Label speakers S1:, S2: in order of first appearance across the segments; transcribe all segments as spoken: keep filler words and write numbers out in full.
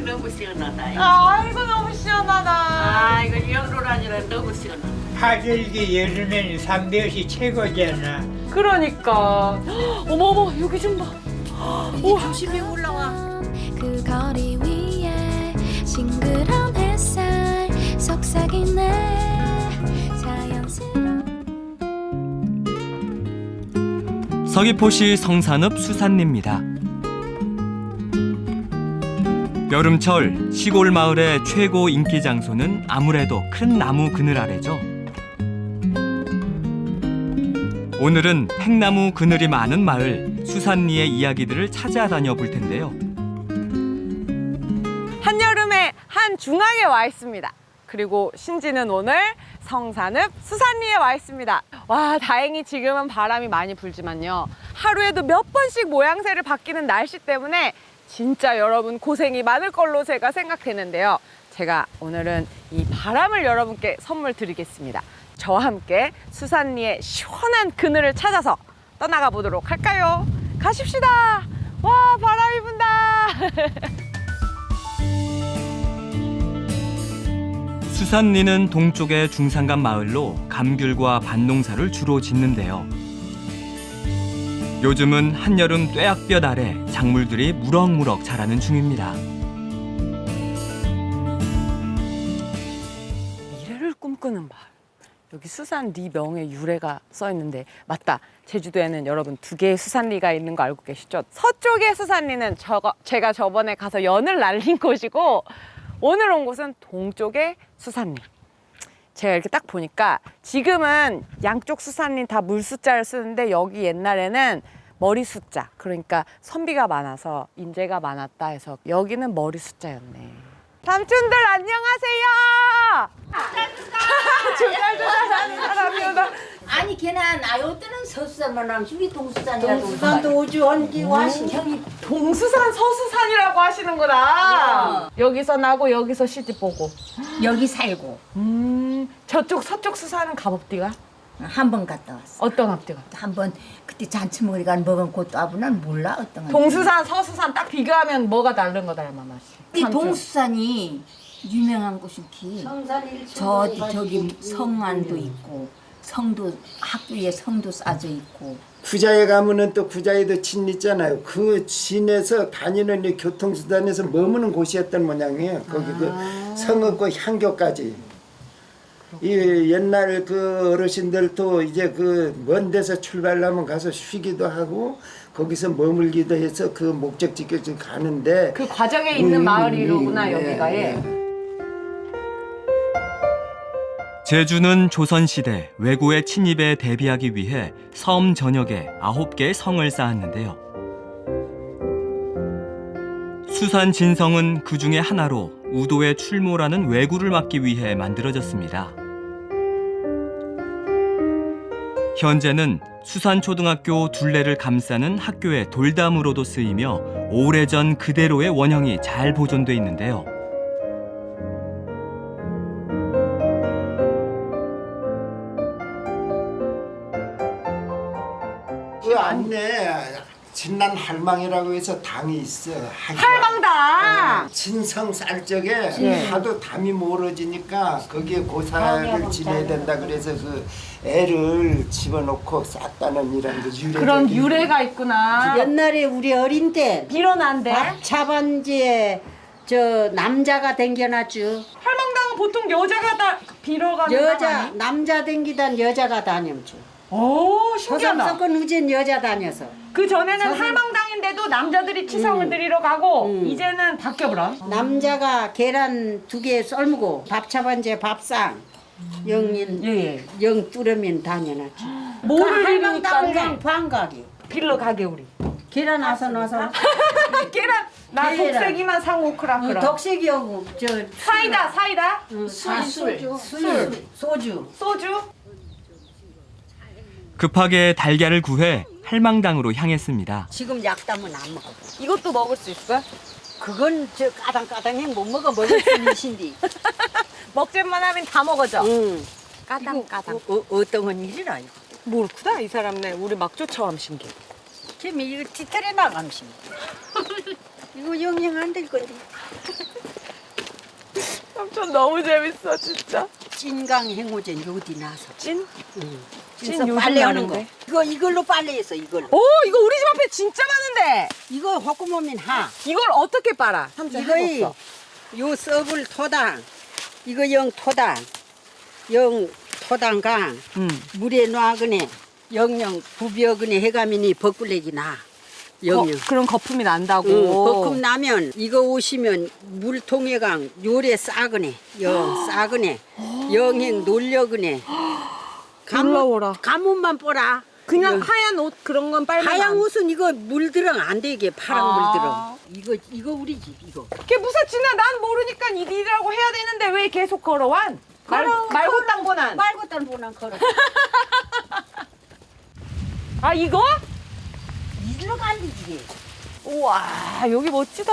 S1: 너무 시원하다.
S2: 아이고 너무 시원하다.
S1: 아 이거 여름라니라 너무 시원하다.
S3: 하절기 여름에는 삼대옷이 최고잖아.
S2: 그러니까. 어머어머 여기 좀 봐. 오,
S1: 조심히 올라와.
S4: 그 거리 위에 싱그러운 햇살 속삭이네 자연스러운
S5: 서귀포시 성산읍 수산리입니다. 여름철 시골 마을의 최고 인기 장소는 아무래도 큰 나무 그늘 아래죠. 오늘은 팽나무 그늘이 많은 마을 수산리의 이야기들을 찾아다녀 볼 텐데요.
S2: 한여름에 한중앙에 와 있습니다. 그리고 신지는 오늘 성산읍 수산리에 와 있습니다. 와, 다행히 지금은 바람이 많이 불지만요. 하루에도 몇 번씩 모양새를 바뀌는 날씨 때문에 진짜 여러분 고생이 많을 걸로 제가 생각했는데요. 제가 오늘은 이 바람을 여러분께 선물 드리겠습니다. 저와 함께 수산리의 시원한 그늘을 찾아서 떠나가 보도록 할까요? 가십시다. 와, 바람이 분다.
S5: 수산리는 동쪽의 중산간 마을로 감귤과 밭농사를 주로 짓는데요. 요즘은 한여름 뙤약볕 아래 작물들이 무럭무럭 자라는 중입니다.
S2: 미래를 꿈꾸는 마을. 여기 수산리 명의 유래가 써 있는데 맞다. 제주도에는 여러분 두 개의 수산리가 있는 거 알고 계시죠? 서쪽의 수산리는 저거, 제가 저번에 가서 연을 날린 곳이고 오늘 온 곳은 동쪽의 수산리. 제가 이렇게 딱 보니까 지금은 양쪽 수산리 다 물숫자를 쓰는데 여기 옛날에는 머리 숫자, 그러니까 선비가 많아서 인재가 많았다 해서 여기는 머리 숫자였네. 삼촌들 안녕하세요. 조잘조잘하는 사람이다.
S6: 아니 걔는 아요 때는 서수산만 하면 저기 동수산이라도
S1: 동수산도 오주 원기 와신
S6: 형이
S2: 동수산 서수산이라고 하시는구나.
S6: 어.
S2: 여기서 나고 여기서 시집 보고.
S6: 여기 살고
S2: 음, 저쪽 서쪽 수산은 갑업디가
S6: 한 번 갔다 왔어.
S2: 어떤 앞디가?
S6: 한 번 그때 잔치먹으니까 먹은 곳도 아부는 몰라 어떤 건.
S2: 동수산 서수산 딱 비교하면 뭐가 다른 거다 얼마 맛이?
S6: 이 동수산이 유명한 곳이 기. 저 저기 성안도 있고 성도 학교에 성도 쌓여 있고.
S7: 구자에 가면은 또 구자에도 진 있잖아요. 그 진에서 다니는 이 교통수단에서 머무는 곳이었던 모양이에요. 거기 그 성읍과 향교까지. 이 옛날 그 어르신들도 이제 그 먼 데서 출발하면 가서 쉬기도 하고 거기서 머물기도 해서 그 목적지까지 가는데
S2: 그 과정에 있는
S7: 음,
S2: 마을이로구나
S7: 음,
S2: 여기가.
S7: 예,
S2: 예.
S7: 예.
S5: 제주는 조선시대 왜구의 침입에 대비하기 위해 섬 전역에 아홉 개의 성을 쌓았는데요. 수산 진성은 그 중에 하나로 우도에 출몰하는 왜구를 막기 위해 만들어졌습니다. 현재는 수산초등학교 둘레를 감싸는 학교의 돌담으로도 쓰이며 오래전 그대로의 원형이 잘 보존돼 있는데요.
S7: 그 안에 진난 할망이라고 해서 당이 있어. 하기가.
S2: 할망당.
S7: 어, 진성 쌀 적에
S2: 예.
S7: 하도 담이 멀어지니까 거기에 고사를 지내야 된다 그래서 그 애를 집어넣고 쌌다는 이런 그 유래.
S2: 그런 유래가 있구나.
S8: 옛날에 우리 어린 때
S2: 빌어난데.
S8: 밥차반지에 저 남자가 댕겨놨죠.
S2: 할망당은 보통 여자가 다 빌어가는 당
S8: 여자
S2: 아니?
S8: 남자 댕기단 여자가 다녔죠.
S2: 오, 신기하다.
S8: 서삼석은 우젠 여자 다녀서.
S2: 그 전에는
S8: 서삼-
S2: 할망당인데도 남자들이 치성을
S8: 음.
S2: 드리러 가고
S8: 음.
S2: 이제는 바뀌어버려.
S8: 남자가 계란 두 개 썰고 밥차반지에 밥상 영인
S2: 예예.
S8: 영 뚜러면 다녀놨죠.
S2: 뭐를
S8: 할망당은
S2: 빌니까
S8: 그냥 방각이.
S2: 빌러 가게 우리.
S8: 계란 와서 넣어서
S2: 계란. 나
S8: 계란.
S2: 독세기만 사고 크라 크라.
S8: 덕색이하고 저
S2: 사이다 사이다.
S8: 술, 술, 술, 소주.
S2: 소주.
S5: 급하게 달걀을 구해 할망당으로 향했습니다.
S8: 지금 약담은 안 먹어.
S2: 이것도 먹을 수 있어요?
S8: 그건 저 까당까당해 못 먹어 먹을 수 있신디.
S2: 먹질만 하면 다 먹어져.
S8: 응.
S2: 까당 까당.
S8: 어, 어, 어떤 건 일이라 이거.
S2: 모르구나 이 사람네. 우리 막 쫓아옴 신기.
S8: 걔미 이거 뒤틀에 나감시. 이거 영영 안 될 건데.
S2: 삼촌 너무 재밌어 진짜.
S8: 찐강 행오젠 어디 나서?
S2: 찐?
S8: 응.
S2: 찐
S8: 찐서
S2: 요즘
S8: 빨래 하는 거.
S2: 나는데.
S8: 이거 이걸로 빨래했어 이걸로.
S2: 오 이거 우리 집 앞에 진짜 많은데.
S8: 이거 호구모민 하.
S2: 이걸 어떻게 빨아? 삼촌
S8: 이거이
S2: 해봤어.
S8: 요 썩을 토당. 이거 영 토당. 영 토당강
S2: 음.
S8: 물에 놔그네 영영 부비어그네 해가미니 벚꿀내기 나. 영영.
S2: 거, 그런 거품이 난다고.
S8: 응, 벚금 나면 이거 오시면 물통에강 요래 싸그네 영 싸그네 영행 놀려그네
S2: 놀라워라.
S8: 가문만 뽀라
S2: 그냥
S8: 이거.
S2: 하얀 옷 그런 건 빨면
S8: 하얀
S2: 안-
S8: 옷은 이거 물들어 안 되게 파란
S2: 아.
S8: 물들어 이거 이거 우리 집 이거
S2: 걔 무사치나 난 모르니까 이리라고 해야 되는데 왜 계속 걸어완? 말,
S8: 걸어,
S2: 말고 땅보난.
S8: 말고 딴 보난 걸어
S2: 아 이거?
S8: 이리로 갈리지
S2: 우와 여기 멋지다.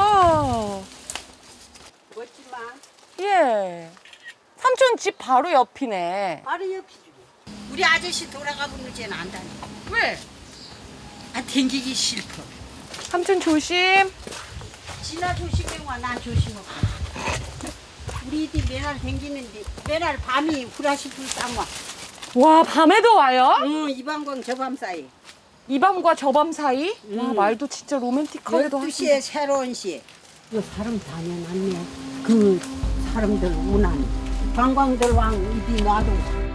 S8: 멋지마
S2: 예. 삼촌 집 바로 옆이네.
S8: 바로 옆이지 우리 아저씨 돌아가면 이제는 안 다녀
S2: 왜?
S8: 아 댕기기 싫어
S2: 삼촌 조심.
S8: 지나 조심해 와난 조심하고 우리 집 맨날 댕기는데 맨날 밤이 후라시 불쌍와
S2: 와 밤에도 와요?
S8: 응 이방광 저밤 사이
S2: 이 밤과 저 밤 사이? 와
S8: 음.
S2: 말도 진짜 로맨틱하기도
S8: 열두 시에
S2: 하시네.
S8: 새로운 시. 요 사람 다녀놨네. 그 사람들 운한 관광들 왕 이디 놔도.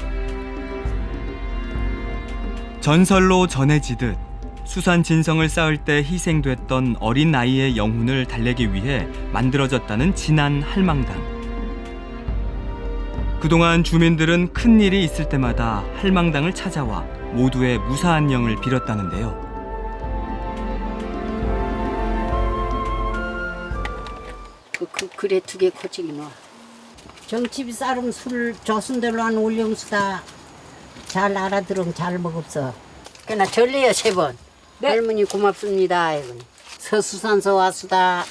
S5: 전설로 전해지듯 수산 진성을 쌓을 때 희생됐던 어린 아이의 영혼을 달래기 위해 만들어졌다는 진안 할망당. 그동안 주민들은 큰 일이 있을 때마다 할망당을 찾아와 모두의 무사한 영을 빌었다는데요.
S8: 그, 그 그래 두 개 코치기 놔. 정치비 쌀음 술 조순들로 한 올영수다. 잘 알아들으면 잘 먹었어. 그나 절래요 세 번.
S2: 네.
S8: 할머니 고맙습니다. 이건 서수산서 왔수다.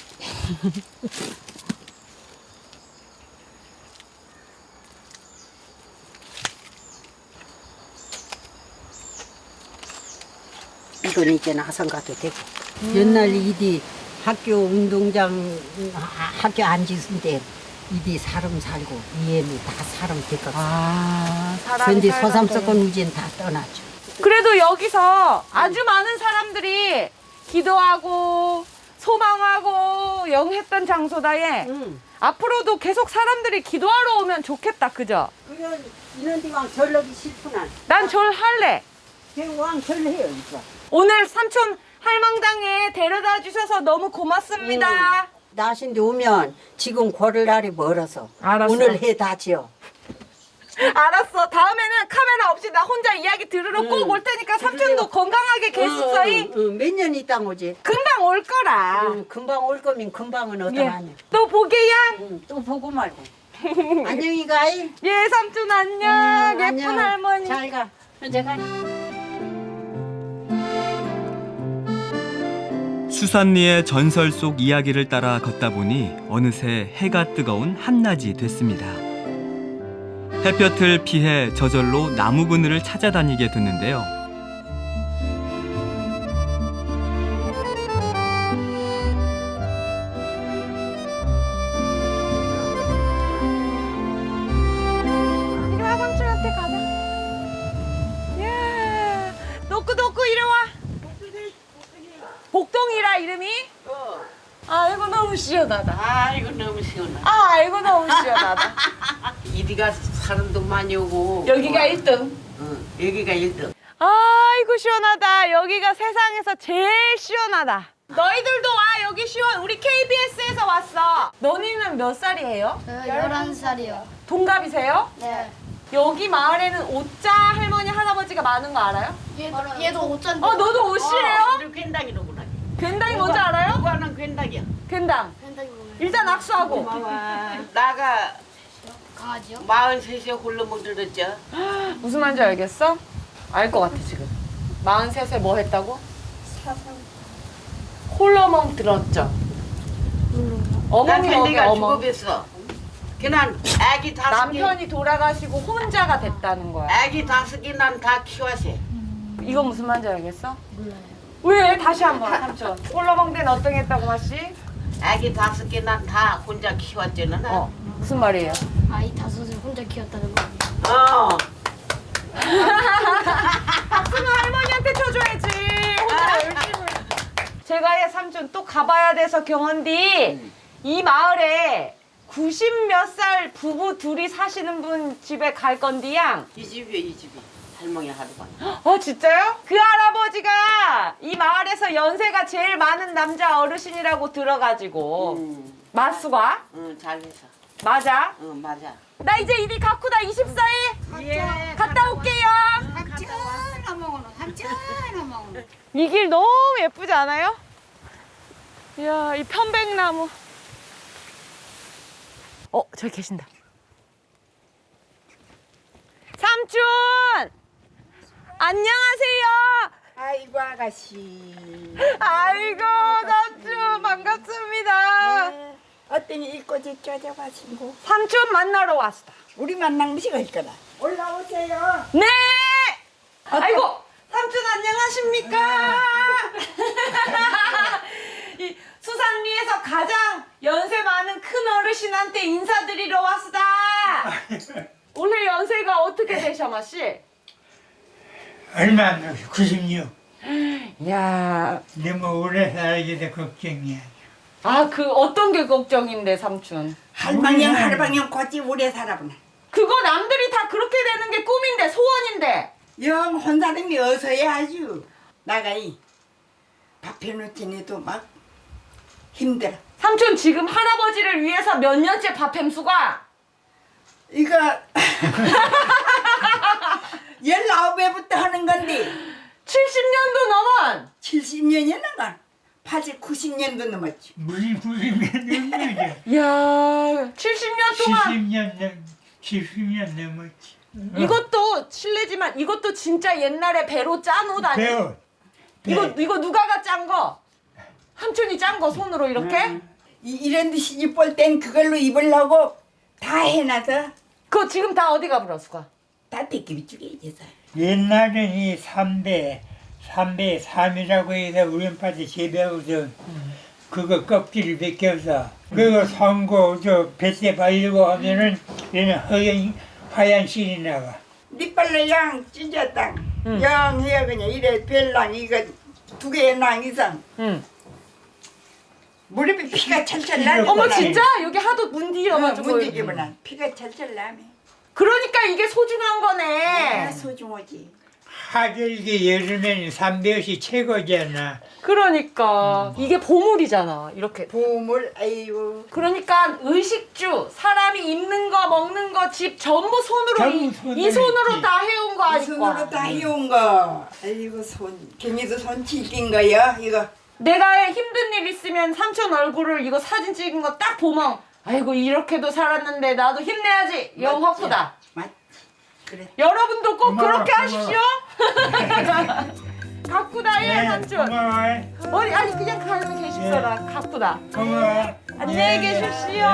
S8: 이건 이제 나선 가도 되고. 옛날 이디 학교 운동장 하- 학교 앉으신데 이디 사람 살고 이해는 다 사람 됐고.
S2: 아
S8: 그런데
S2: 살던
S8: 소삼석은 우진 다 떠났죠.
S2: 그래도 여기서 아주 많은 사람들이 기도하고 소망하고 영했던 장소다에
S8: 응.
S2: 앞으로도 계속 사람들이 기도하러 오면 좋겠다 그죠?
S8: 그런 이런 데왕 절러기 싫구나.
S2: 난 절 할래.
S8: 왕 절해요 이거.
S2: 오늘 삼촌 할망당에 데려다 주셔서 너무 고맙습니다.
S8: 나신데 오면 지금 고를 날이 멀어서
S2: 알았어.
S8: 오늘 해 다지요.
S2: 알았어. 다음에는 카메라 없이 나 혼자 이야기 들으러
S8: 응.
S2: 꼭 올 테니까 삼촌도 건강하게 계십소이.
S8: 몇 년 있다 오지.
S2: 금방 올 거라.
S8: 응, 금방 올 거면 금방은
S2: 예.
S8: 어떠하냐.
S2: 또 보게야.
S8: 응, 또 보고 말고. 안녕히 가이.
S2: 예, 삼촌 안녕.
S8: 응,
S2: 예쁜
S8: 안녕.
S2: 할머니.
S8: 잘 가. 현재 가.
S5: 수산리의 전설 속 이야기를 따라 걷다 보니 어느새 해가 뜨거운 한낮이 됐습니다. 햇볕을 피해 저절로 나무 그늘을 찾아다니게 됐는데요.
S2: 이리 와 삼촌한테 가자. 예. 노크 노크 이리 와. 복동이라 이름이?
S1: 어.
S2: 아이고 너무 시원하다.
S1: 아이고 너무 시원하다.
S2: 아이고 너무 시원하다.
S1: 이리가 사람도 많이 오고.
S2: 여기가 일 등.
S1: 응, 여기가 일 등.
S2: 아이고 시원하다. 여기가 세상에서 제일 시원하다. 너희들도 와 여기 시원. 우리 케이비에스에서 왔어. 너희는 몇 살이에요?
S9: 열한 살이요.
S2: 동갑이세요?
S9: 네.
S2: 여기 마을에는 오자 할머니 할아버지가 많은 거 알아요?
S9: 얘도, 얘도 오짠데.
S2: 어 너도 오시래요?
S1: 우리 괜당이로구나.
S2: 괜당이 뭔지 알아요?
S1: 누가는 괜당이야.
S2: 괜당.
S9: 펜타기 보면
S2: 일단 악수하고.
S1: 나가
S9: 강아지요?
S1: 마흔셋에 홀로 못 들었죠.
S2: 무슨 말인지 알겠어? 알 것 같아 지금. 마흔셋에 뭐 했다고?
S9: 사상.
S2: 홀로멍 들었죠?
S1: 난
S2: 어멍이 뭐게
S1: 괜대가
S2: 어멍.
S1: 죽어봤어. 그난 아기 다섯 개,
S2: 남편이 돌아가시고 혼자가 됐다는 거야.
S1: 아기 다섯 개 난 다 키웠어.
S2: 이거 무슨 말인지 알겠어?
S9: 몰라요.
S2: 왜? 다시 한번 삼촌. 홀러먹는 어떤 게 했다고 마씨?
S1: 아기 다섯 개 난 다 혼자 키웠잖아. 나.
S2: 어 무슨 말이에요?
S9: 아이 다섯을 혼자 키웠다는 거.
S1: 어.
S2: 박수는 할머니한테 쳐줘야지. 혼자 열심히. 제가 삼촌 또 가봐야 돼서 경원디 이 마을에 구십 몇 살 부부 둘이 사시는 분 집에 갈 건디양.
S1: 이 집이요, 이 집이. 할머니 하루가.
S2: 어 진짜요? 그 할아버지가 이 마을에서 연세가 제일 많은 남자 어르신이라고 들어가지고
S1: 음.
S2: 마수가
S1: 응, 잘해서.
S2: 맞아?
S1: 응, 맞아.
S2: 나 이제 이리 가쿠다 이십사일
S1: 예.
S2: 갔다 올게요.
S8: 한참 먹어놓, 한참 먹어놓.
S2: 이 길 너무 예쁘지 않아요? 이야 이 편백나무. 어 저기 계신다. 삼촌 안녕하세요.
S10: 아이고 아가씨.
S2: 아이고 삼촌 반갑습니다.
S10: 네. 어떤 일꼬지 쪼져가지고
S2: 삼촌 만나러 왔어.
S10: 우리 만난 것이 갈 거다. 올라오세요.
S2: 네. 아이고 삼촌 안녕하십니까? 이 수산리에서 가장 연세 많은 큰 어르신한테 인사드리러 왔다. 오늘 연세가 어떻게 되셔 마씨?
S3: 얼마 안 돼서 구십육.
S2: 야,
S3: 너무 오래 살게 돼 걱정이야.
S2: 아 그 어떤 게 걱정인데 삼촌?
S10: 할망령 할방령 고지 오래 살아보나.
S2: 그거 남들이 다 그렇게 되는 게 꿈인데 소원인데.
S10: 영 혼사람이 어서야 아주 나가이 밥 해놓지니도 막 힘들어.
S2: 삼촌 지금 할아버지를 위해서 몇 년째 밥 햄수가?
S10: 이거 열아홉 회부터 하는 건데
S2: 칠십 년도 넘은.
S10: 칠십 년이 넘어. 팔십, 구십 년도 넘었지.
S3: 무슨 구십 년 넘어져.
S2: 이야, 칠십 년 동안.
S3: 칠십 년 넘, 칠십 년 넘었지.
S2: 이것도 실례지만 이것도 진짜 옛날에 배로 짠 옷 아니?
S3: 배우.
S2: 이거 이거 누가가 짠 거? 삼촌이 짠 거 손으로 이렇게?
S10: 음. 이, 이런 데 시집 볼 땐 그걸로 입으려고 다 해놔서
S2: 그거 지금 다 어디 가버려 수가?
S10: 다 뺏기비 쪽에 있어서.
S3: 옛날엔 이 삼배, 삼배 삼이라고 해서 우연파지 재배우서 그거 껍질을 벗겨서 그거 선고 저 뱃에 바르고 하면은 얘는 하얀 하얀 실이 나와.
S10: 니빨로 양 찢었다.
S2: 응.
S10: 양 해야 그냥 이래 별랑 이거 두 개의 낭 이상.
S2: 응.
S10: 무릎에 피가 철철 나네.
S2: 어머 진짜 여기 하도 문디여가지고.
S10: 문디기구나. 피가 철철 나네.
S2: 그러니까 이게 소중한 거네.
S10: 아, 소중하지.
S3: 하절기 여름에는 삼배옷이 최고잖아.
S2: 그러니까 이게 보물이잖아. 이렇게.
S10: 보물 아이고.
S2: 그러니까 의식주 사람이 입는 거 먹는 거 집 전부 손으로
S3: 전부
S2: 이,
S3: 손으로
S2: 이 손으로
S3: 했지.
S2: 다 해온 거
S10: 이
S2: 아닐까.
S10: 손으로 다 해온 거. 아이고 손. 괜히도 손 찔긴 거야 이거.
S2: 내가 힘든 일 있으면 삼촌 얼굴을 이거 사진 찍은 거 딱 보면 아이고 이렇게도 살았는데 나도 힘내야지. 영 화프다.
S10: 맞. 그래.
S2: 여러분도 꼭
S3: 고마워,
S2: 그렇게
S3: 고마워.
S2: 하십시오. 가꾸다 예 삼촌.
S3: 고마워.
S2: 어디 아니 그냥 가면 계십시오라. 가꾸다.
S3: 고마워.
S2: 안녕히
S3: 예.
S2: 계십시오.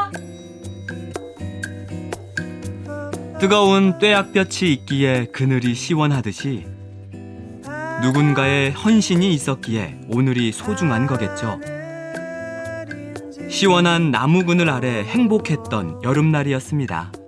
S5: 뜨거운 뙤약볕이 있기에 그늘이 시원하듯이 누군가의 헌신이 있었기에 오늘이 소중한 거겠죠. 시원한 나무 그늘 아래 행복했던 여름날이었습니다.